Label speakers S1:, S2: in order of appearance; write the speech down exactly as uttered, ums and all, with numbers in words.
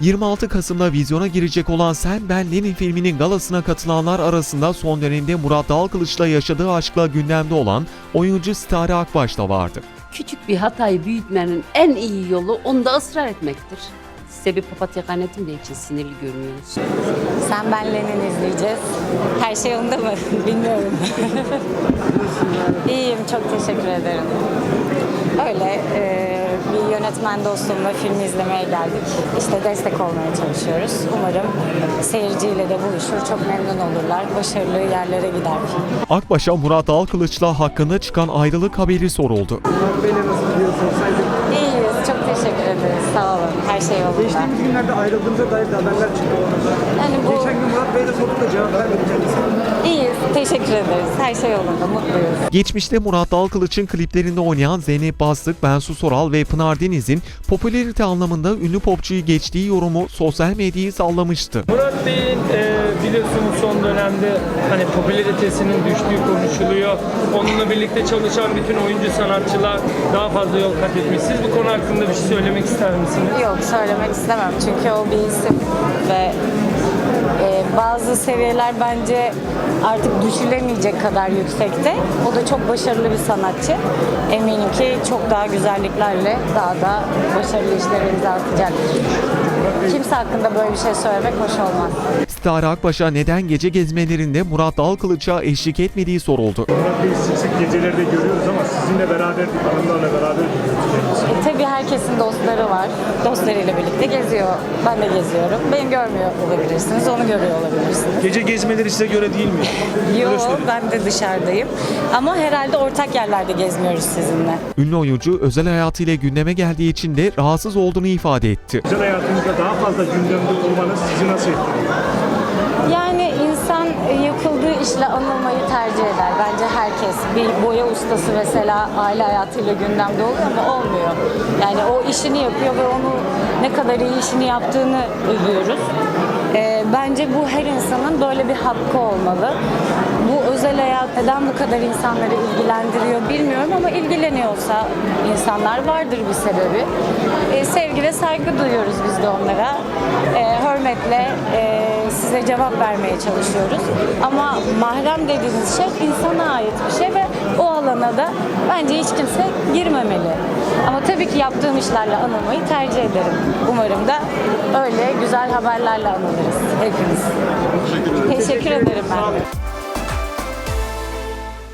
S1: yirmi altı Kasım'da vizyona girecek olan Sen Ben Lenin filminin galasına katılanlar arasında son dönemde Murat Dalkılıç'la yaşadığı aşkla gündemde olan oyuncu Stare Akbaş da vardı.
S2: Küçük bir hatayı büyütmenin en iyi yolu onda ısrar etmektir. Size bir papatya kaynattım da için sinirli görünüyorsunuz.
S3: Sen Ben Lenin izleyeceğiz. Her şey yolunda mı? Bilmiyorum. İyiyim, çok teşekkür ederim. Öyle e, bir yönetmen dostumla filmi izlemeye geldik. İşte destek olmaya çalışıyoruz. Umarım seyirciyle de buluşur, çok memnun olurlar. Başarılı yerlere gider film.
S1: Akbaş'a Murat Dalkılıç'la hakkında çıkan ayrılık haberi soruldu.
S3: İyiyiz, çok teşekkür ederiz. Sağ olun, her şey yolunda.
S4: Geçtiğimiz günlerde ayrıldığınıza dair de haberler çıktı.
S3: Yani bu...
S4: Geçen gün Murat Bey'e de sorduk da cevap vermedi kendisi.
S3: İyiyiz, teşekkür ederiz. Her şey yolunda, mutluyuz.
S1: Geçmişte Murat Dalkılıç'ın kliplerinde oynayan Zeynep Bastık, Bensu Soral ve Pınar Deniz'in popülarite anlamında ünlü popçuyu geçtiği yorumu sosyal medyayı sallamıştı.
S5: Murat Bey'in e, biliyorsunuz son dönemde hani popülaritesinin düştüğü konuşuluyor. Onunla birlikte çalışan bütün oyuncu sanatçılar daha fazla yol kat etmiş. Siz bu konu hakkında bir şey söylemek ister misiniz?
S3: Yok, söylemek istemem çünkü o bir isim ve e, bazı seviyeler bence artık düşülemeyecek kadar yüksekte. O da çok başarılı bir sanatçı. Eminim ki çok daha güzelliklerle daha da başarılı işlere imza atacaktır. Kimse hakkında böyle bir şey söylemek hoş olmaz.
S1: Stare Akbaş'a neden gece gezmelerinde Murat Dalkılıç'a eşlik etmediği soruldu.
S4: Murat Bey'i sık sık gecelerde görüyoruz ama sizinle beraber, hanımlarla beraber gidiyoruz kendisi.
S3: E, tabii herkesin dostları var. Dostlarıyla birlikte geziyor. Ben de geziyorum. Beni görmüyor olabilirsiniz, onu görüyor olabilirsiniz.
S4: Gece gezmeleri size göre değil mi?
S3: Yok, ben de dışarıdayım. Ama herhalde ortak yerlerde gezmiyoruz sizinle.
S1: Ünlü oyuncu özel hayatıyla gündeme geldiği için de rahatsız olduğunu ifade etti.
S4: Özel hayatınızda daha fazla gündemde olmanız sizi nasıl etkiliyor?
S3: Yani insan yapıldığı işle anılmayı tercih eder. Bence herkes. Bir boya ustası mesela aile hayatıyla gündemde oluyor ama olmuyor. Yani o işini yapıyor ve onu ne kadar iyi işini yaptığını övüyoruz. Ee, bence bu her insanın böyle bir hakkı olmalı. Bu özel hayat neden bu kadar insanları ilgilendiriyor bilmiyorum ama ilgileniyorsa insanlar vardır bir sebebi. Ee, sevgi ve saygı duyuyoruz biz de onlara. Ee, hürmetle e, size cevap vermeye çalışıyoruz. Ama mahrem dediğiniz şey insana ait bir şey ve o alana da bence hiç kimse girmemeli. Ama tabii ki yaptığım işlerle anılmayı tercih ederim. Umarım da öyle güzel haberlerle anılırız hepimiz. Teşekkür ederim ben de.